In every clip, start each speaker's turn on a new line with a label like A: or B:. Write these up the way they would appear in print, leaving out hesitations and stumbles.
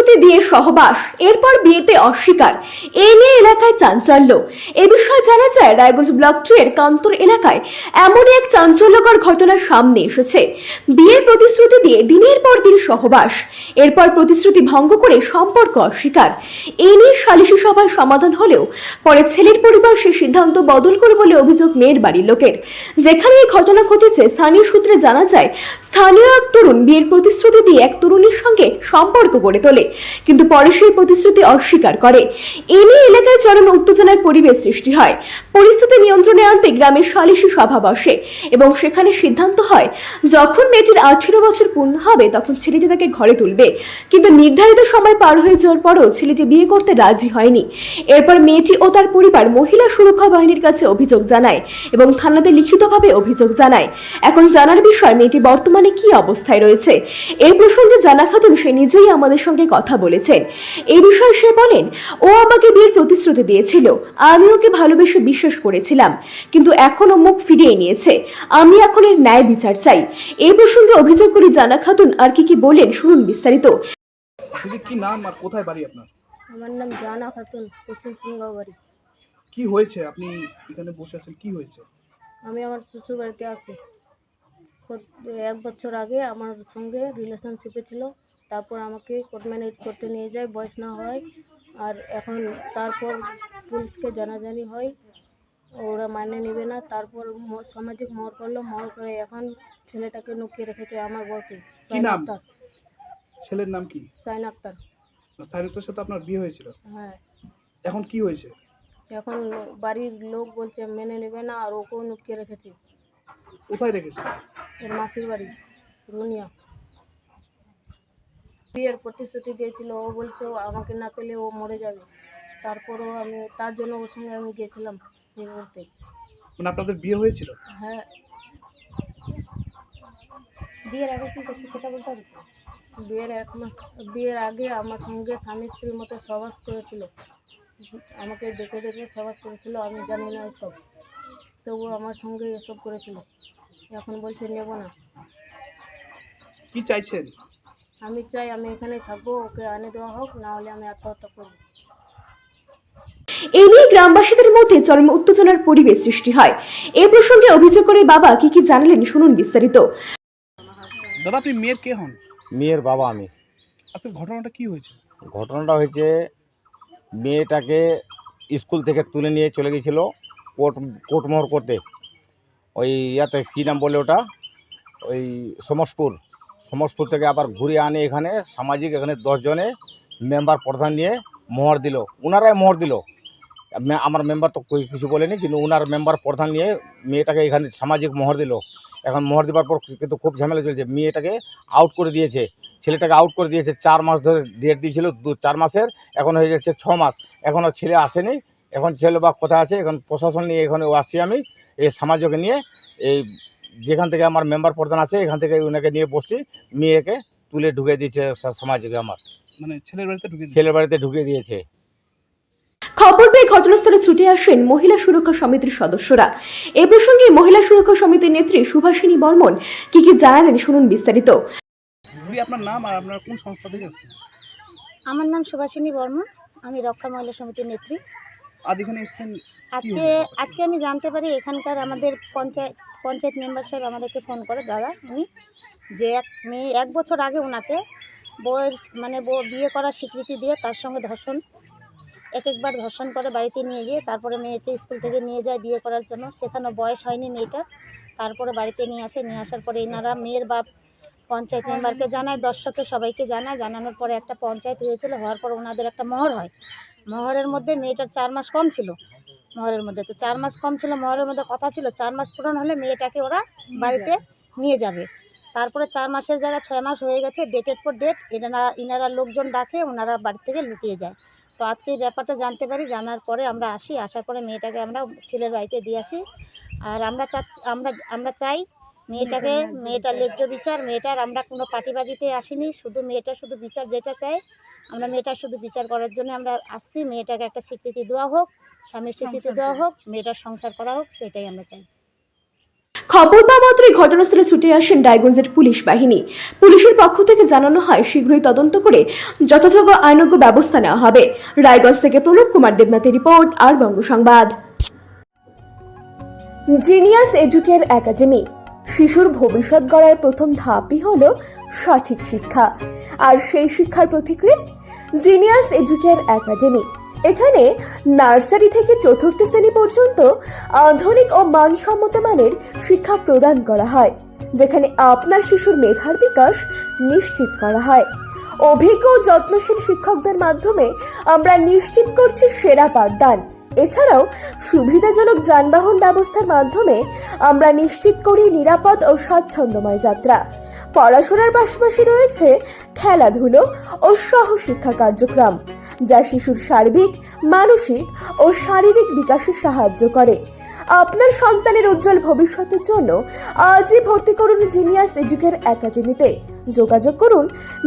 A: প্রতিশ্রুতি দিয়ে সহবাস, এরপর বিয়েতে অস্বীকার, এ নিয়ে এলাকায় চাঞ্চল্য। এ বিষয়ে জানা যায়, রায়গঞ্জ ব্লক 2 এর কান্তর এলাকায় এমনই এক চাঞ্চল্যকর ঘটনা সামনে এসেছে। বিয়ের প্রতিশ্রুতি দিয়ে দিনের পর দিন সহবাস, এরপর প্রতিশ্রুতি ভঙ্গ করে সম্পর্ক অস্বীকার। এ নিয়ে সালিশি সভায় সমাধান হলেও পরে ছেলের পরিবার সে সিদ্ধান্ত বদল করে বলে অভিযোগ মেয়ের বাড়ির লোকের। যেখানে এই ঘটনা ঘটেছে, স্থানীয় সূত্রে জানা যায়, স্থানীয় এক তরুণ বিয়ের প্রতিশ্রুতি দিয়ে এক তরুণীর সঙ্গে সম্পর্ক গড়ে তোলে, কিন্তু পরে সেই প্রতিশ্রুতি অস্বীকার করে। এ নিয়ে এলাকায় চরম উত্তেজনার পরিবেশ সৃষ্টি হয়। পরিস্থিতি নিয়ন্ত্রণে আনতে গ্রামের সালিশি সভা বসে এবং সেখানে সিদ্ধান্ত হয়, যখন মেয়েটির 18 বছর পূর্ণ হবে তখন ছেলেটি তাকে ঘরে তুলবে। কিন্তু নির্ধারিত সময় পার হয়ে যাওয়ার পরও ছেলেটি বিয়ে করতে রাজি হয়নি। এরপর মেয়েটি ও তার পরিবার মহিলা সুরক্ষা বাহিনীর কাছে অভিযোগ জানায় এবং থানাতে লিখিতভাবে অভিযোগ জানায়। এখন জানার বিষয়, মেয়েটি বর্তমানে কি অবস্থায় রয়েছে। এই প্রসঙ্গে জানা খাতুন সে নিজেই আমাদের সঙ্গে কথা বলেছেন। এই বিষয়ে সে বলেন, ও আমাকে বিয়ের প্রতিশ্রুতি দিয়েছিল, আমি ওকে ভালোবেসে বিশ্বাস করেছিলাম, কিন্তু এখন ও মুখ ফিরিয়ে নিয়েছে। আমি এখন এর ন্যায় বিচার চাই। এই প্রসঙ্গে অভিযোগ করে জানা খাতুন আর কি বলেন শুনুন বিস্তারিত।
B: কি নাম আর কোথায় বাড়ি আপনার?
C: আমার নাম জানা খাতুন, পশ্চিম সিংগাঁও বাড়ি।
B: কি হয়েছে, আপনি এখানে বসে আছেন, কি হয়েছে?
C: আমি আমার শ্বশুর বাড়িতে আছি। 1 বছর আগে আমার সঙ্গে রিলেশনশিপে ছিল, তারপর আমাকে কোর্ট ম্যারেজ করতে নিয়ে যায়, বয়স না হয়। আর এখন তারপর পুলিশকে জানাজানি হয়, ওরা মানে নেবে না। তারপর সামাজিক মহল করলো, মহল করে এখন ছেলেটাকে লুকিয়ে রেখেছে, আমার বরকে।
B: কি নাম? ছেলের নাম কি?
C: সাইন আক্তার।
B: সাইরুতের সাথে আপনার বিয়ে হয়েছিল?
C: হ্যাঁ।
B: এখন কি হয়েছে?
C: এখন বাড়ির লোক বলছে মেনে নেবে না, আর ওকেও লুকিয়ে রেখেছে।
B: কোথায় রেখেছে?
C: ওর মাসির বাড়ি রুনিয়া। বিয়ের প্রতিশ্রুতি দিয়েছিল, ও বলছে আমাকে না পেলে ও মরে যাবে। তারপরও আমি তার জন্য ওর সঙ্গে আমি গিয়েছিলাম বিয়ে করতে।
B: মানে আপনাদের বিয়ে হয়েছিল?
C: হ্যাঁ। বিয়ের আগে কি করছে সেটা বলতে হবে? বিয়ের আগে আমার সঙ্গে স্বামী স্ত্রীর মতো সহবাস করেছিল, আমাকে ডেকে ডেকে সহবাস করেছিল। আমি জানি না এসব, তবু আমার সঙ্গে এসব করেছিল। এখন বলছে নেব না।
B: কি চাইছেন?
C: আমি চাই আমি এখানে থাকবো, ওকে আনে দেওয়া হোক, না হলে আমি আত্মহত্যা করবো।
A: এই নিয়ে গ্রামবাসীদের মধ্যে চরম উত্তেজনার পরিবেশ সৃষ্টি হয়। এ প্রসঙ্গে অভিযোগ করে বাবা কি জানালেন শুনুন বিস্তারিত।
B: দাদা, আপনি মেয়ের কে হন?
D: মেয়ের বাবা আমি।
B: আপনার ঘটনাটা কি হয়েছে?
D: ঘটনাটা হয়েছে, মেয়েটাকে স্কুল থেকে তুলে নিয়ে চলে গেছিলো কোর্টমোহর করতে। ওই ইয়াতে কী নাম বলে ওটা, ওই সমসপুর থেকে আবার ঘুরিয়ে আনে এখানে সামাজিক, এখানে 10 জনে মেম্বার প্রধান নিয়ে মোহর দিল, ওনারাই মোহর দিল। আমার মেম্বার তো কিছু বলেনি, কিন্তু ওনার মেম্বার প্রধান নিয়ে মেয়েটাকে এখানে সামাজিক মোহর দিল। এখন মোহর দেওয়ার পর কিন্তু খুব ঝামেলা চলছে, মেয়েটাকে আউট করে দিয়েছে, ছেলেটাকে আউট করে দিয়েছে। 4 মাস ধরে ডেট দিয়েছিল, 4 মাসের, এখন হয়ে যাচ্ছে 6 মাস, এখনও ছেলে আসেনি। এখন ছেলে বা কোথায় আছে, এখন প্রশাসন নিয়ে এখানে আসছি আমি, এই সমাজকে নিয়ে, এই যেখান থেকে আমার মেম্বার প্রধান আছে এখান থেকে ওনাকে নিয়ে বসছি। মেয়েকে তুলে ঢুকে দিয়েছে সমাজকে, আমার
B: মানে ছেলের
D: বাড়িতে ঢুকে দিয়েছে।
A: খবর পেয়ে ঘটনাস্থলে ছুটে আসেন মহিলা সুরক্ষা সমিতির সদস্যরা। এ প্রসঙ্গে মহিলা সুরক্ষা সমিতির নেত্রী সুভাষিনী বর্মন কি জানালেন শুনুন বিস্তারিত।
B: আপনার নাম আর আপনার কোন সংস্থা থেকে আসছেন?
C: আমার নাম সুভাষিনী বর্মন, আমি রক্ষা মহিলা সমিতির নেত্রী।
B: আজ এখানে এসেছেন?
C: আজকে আমি জানতে পারি এখানকার আমাদের পঞ্চায়েত মেম্বার সাহেব আমাদেরকে ফোন করে, দাদা উনি, যে এক মেয়ে 1 বছর আগে ওনাকে বউয়ের বিয়ে করার স্বীকৃতি দিয়ে তার সঙ্গে একবার ধর্ষণ করে বাড়িতে নিয়ে গিয়ে তারপরে মেয়েকে স্কুল থেকে নিয়ে যায় বিয়ে করার জন্য। সেখানে বয়স হয়নি মেয়েটা, তারপরে বাড়িতে নিয়ে আসার পরে এনারা মেয়ের বাপ পঞ্চায়েত মেম্বারকে জানায়, দর্শককে সবাইকে জানায়। জানানোর পরে একটা পঞ্চায়েত হয়েছিল, হওয়ার পর ওনাদের একটা মোহর হয়। মোহরের মধ্যে মেয়েটার 4 মাস কম ছিল, মোহরের মধ্যে তো 4 মাস কম ছিল, মোহরের মধ্যে কথা ছিল 4 মাস পূরণ হলে মেয়েটাকে ওরা বাড়িতে নিয়ে যাবে। তারপরে 4 মাসের জায়গায় 6 মাস হয়ে গেছে, ডেটের পর ডেট ইনারা লোকজন ডাকে, ওনারা বাড়ি থেকে লুকিয়ে যায়। তো আজকে এই ব্যাপারটা জানতে পারি, জানার পরে আমরা আসার পরে মেয়েটাকে আমরা ছেলের বাড়িতে দিয়ে আসি। আর আমরা চাই মেয়েটার ন্যায্য বিচার। মেয়েটার আমরা কোনো পার্টিবাজিতে আসিনি, শুধু মেয়েটা শুধু বিচার যেটা চাই, আমরা মেয়েটার শুধু বিচার করার জন্য আমরা আসছি। মেয়েটাকে একটা স্বীকৃতি দেওয়া হোক, স্বামীর স্বীকৃতি দেওয়া হোক, মেয়েটার সংসার করা হোক, সেটাই আমরা চাই।
A: খবর পাওয়া মাত্রই ঘটনাস্থলে ছুটে আসেন রায়গঞ্জের পুলিশ বাহিনী। পুলিশের পক্ষ থেকে জানানো হয় শীঘ্রই তদন্ত করে যথাযোগ্য আইনজ্ঞ ব্যবস্থা নেওয়া হবে। রায়গঞ্জ থেকে প্রণব কুমার দেবনাথের রিপোর্ট, আর Banga Sangbad. Genius Educare Academy. শিশুর ভবিষ্যৎ গড়ার প্রথম ধাপই হলো সঠিক শিক্ষা, আর সেই শিক্ষার প্রতিকৃত জিনিয়াস এডুকেয়ার একাডেমি। এখানে নার্সারি থেকে চতুর্থ শ্রেণী পর্যন্ত আধুনিক ও মানসম্মত মানের শিক্ষা প্রদান করা হয়, যেখানে আপনার শিশুর মেধার বিকাশ নিশ্চিত করা হয়। অভিজ্ঞ ও যত্নশীল শিক্ষকদের মাধ্যমে আমরা নিশ্চিত করছি সেরা পাঠদান। এছাড়াও সুবিধাজনক যানবাহন ব্যবস্থার মাধ্যমে আমরা নিশ্চিত করি নিরাপদ ও স্বাচ্ছন্দ্যময় যাত্রা। পড়াশোনার পাশাপাশি রয়েছে খেলাধুলো ও সহশিক্ষা কার্যক্রম, যা শিশুর সার্বিক, মানসিক ও শারীরিক বিকাশে সাহায্য করে। আপনার সন্তানের উজ্জ্বল ভবিষ্যতের জন্য আজই ভর্তি করুন জিনিয়াস এডুকেয়ার একাডেমিতে। যোগাযোগ করুন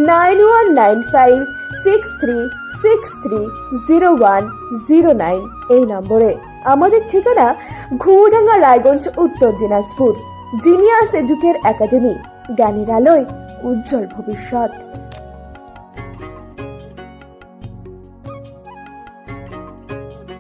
A: 919563630109 এই নম্বরে। আমাদের ঠিকানা ঘুঘুডাঙ্গা, রায়গঞ্জ, উত্তর দিনাজপুর। জিনিয়াস এডুকেয়ার একাডেমি, জ্ঞানের আলোয় উজ্জ্বল ভবিষ্যৎ।